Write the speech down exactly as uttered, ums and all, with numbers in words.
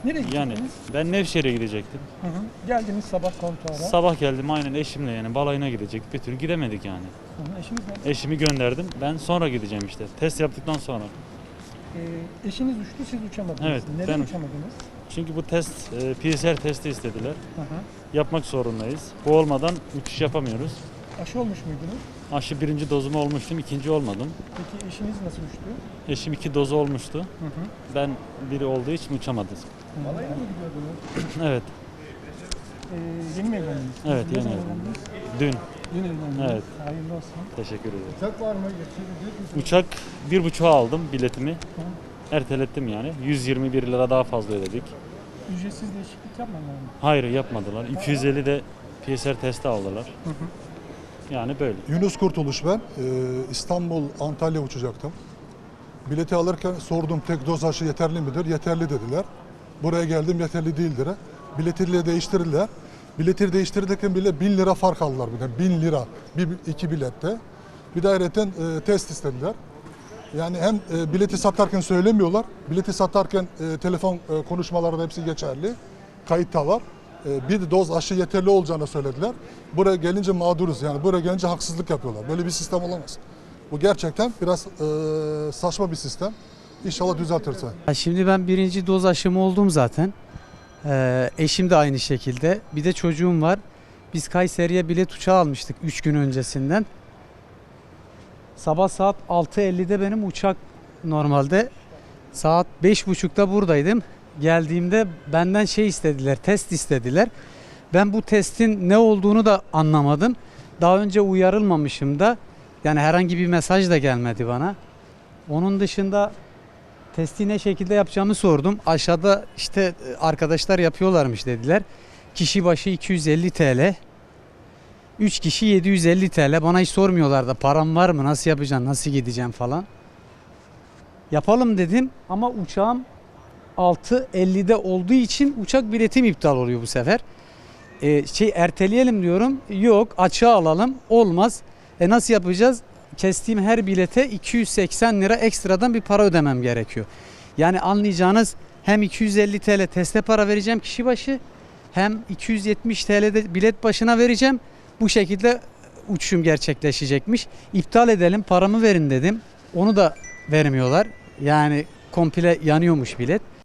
Nereye Yani gittiniz? ben Nevşehir'e gidecektim. Hı hı. Geldiniz sabah kontuara. Sabah geldim aynen eşimle, yani balayına gidecektik. Bir türlü gidemedik yani. Hı hı. Eşiniz nerede? Eşimi gönderdim. Ben sonra gideceğim işte. Test yaptıktan sonra. Ee, eşiniz uçtu, siz uçamadınız. Evet, Neden ben- uçamadınız? Çünkü bu test e, P C R testi istediler. Hı hı. Yapmak zorundayız. Bu olmadan uçuş yapamıyoruz. Aşı olmuş muydunuz? Aşı birinci dozumu olmuştum, ikinci olmadım. Peki eşiniz nasıl uçtu? Eşim iki dozu olmuştu. Hı hı. Ben biri olduğu için uçamadım. Balayına mı gidiyordunuz? Evet, Ee, yeni mi evlendiniz? evet Ne yeni zaman evlendim. evlendiniz? Dün. Dün evlendiniz. Evet. Hayırlı olsun. Teşekkür ederim. Uçak var mı? Getirecek misiniz? Uçak bir buçuğa aldım biletimi. Ertelettim yani. yüz yirmi bir lira daha fazla ödedik. Ücretsiz değişiklik yapmadılar mı? Hayır yapmadılar. iki yüz elli de P C R testi aldılar. Hı hı. Yani böyle. Yunus Kurtuluş ben. Ee, İstanbul, Antalya uçacaktım. Bileti alırken sordum tek doz aşı yeterli midir? Yeterli dediler. Buraya geldim yeterli değildir. Biletiyle değiştirdiler. Bileti değiştirirken bile bin lira fark aldılar. Bir de bin lira bir, iki bilette. Bir de ayrıca e, test istediler. Yani hem e, bileti satarken söylemiyorlar. Bileti satarken e, telefon e, konuşmaları da hepsi geçerli. Kayıtta var. E, bir doz aşı yeterli olacağını söylediler. Buraya gelince mağduruz yani. Buraya gelince haksızlık yapıyorlar. Böyle bir sistem olamaz. Bu gerçekten biraz e, saçma bir sistem. İnşallah düzeltirse. Ya Şimdi ben birinci doz aşımı oldum zaten. Ee, eşim de aynı şekilde. Bir de çocuğum var. Biz Kayseri'ye bilet uçağı almıştık üç gün öncesinden. Sabah saat altı ellide benim uçak normalde. Saat beş buçukta buradaydım. Geldiğimde benden şey istediler, test istediler. Ben bu testin ne olduğunu da anlamadım. Daha önce uyarılmamışım da. Yani herhangi bir mesaj da gelmedi bana. Onun dışında testi ne şekilde yapacağımı sordum. Aşağıda işte arkadaşlar yapıyorlarmış dediler. Kişi başı iki yüz elli TL. üç kişi yedi yüz elli TL. Bana hiç sormuyorlar da param var mı, nasıl yapacağım, nasıl gideceğim falan. Yapalım dedim ama uçağım altı ellide olduğu için uçak biletim iptal oluyor bu sefer. Ee, şey erteleyelim diyorum. Yok, açığa alalım. Olmaz. E nasıl yapacağız? Kestiğim her bilete iki yüz seksen lira ekstradan bir para ödemem gerekiyor. Yani anlayacağınız hem iki yüz elli TL teste para vereceğim kişi başı, hem iki yüz yetmiş TL de bilet başına vereceğim. Bu şekilde uçuşum gerçekleşecekmiş. İptal edelim, paramı verin dedim. Onu da vermiyorlar. Yani komple yanıyormuş bilet.